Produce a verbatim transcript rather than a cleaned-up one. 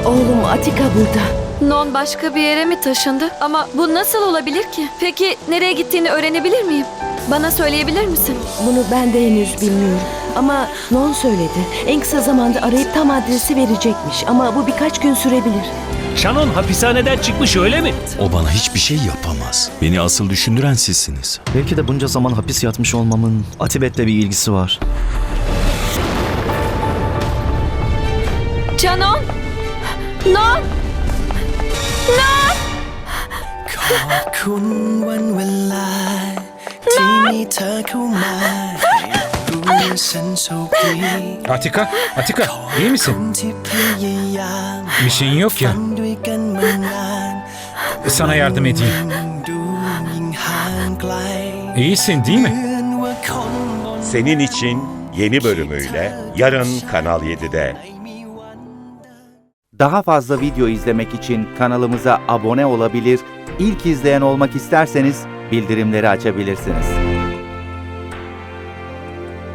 Oğlum Atika burada. Non başka bir yere mi taşındı? Ama bu nasıl olabilir ki? Peki nereye gittiğini öğrenebilir miyim? Bana söyleyebilir misin? Bunu ben de henüz bilmiyorum. Ama Non söyledi. En kısa zamanda arayıp tam adresi verecekmiş. Ama bu birkaç gün sürebilir. Shannon hapishaneden çıkmış öyle mi? O bana hiçbir şey yapamaz. Beni asıl düşündüren sizsiniz. Belki de bunca zaman hapis yatmış olmamın Atibet'le bir ilgisi var. Canon! Non! Non! ขอบคุณวันเวลาที่มีเธอเข้ามาให้รู้ฉันโชคดี Atika, Atika iyi ค misin? นที่พยายาม Bir şeyin yok ya. ฝันด้วยกันมานาน Sana yardım edeyim. ดูยิ่งห่างไกล İyisin değil เห mi? มือนว่าคนบน Senin için yeni bölümüyle yarın Kanal yedide. Daha fazla video izlemek için kanalımıza abone olabilir, ilk izleyen olmak isterseniz bildirimleri açabilirsiniz.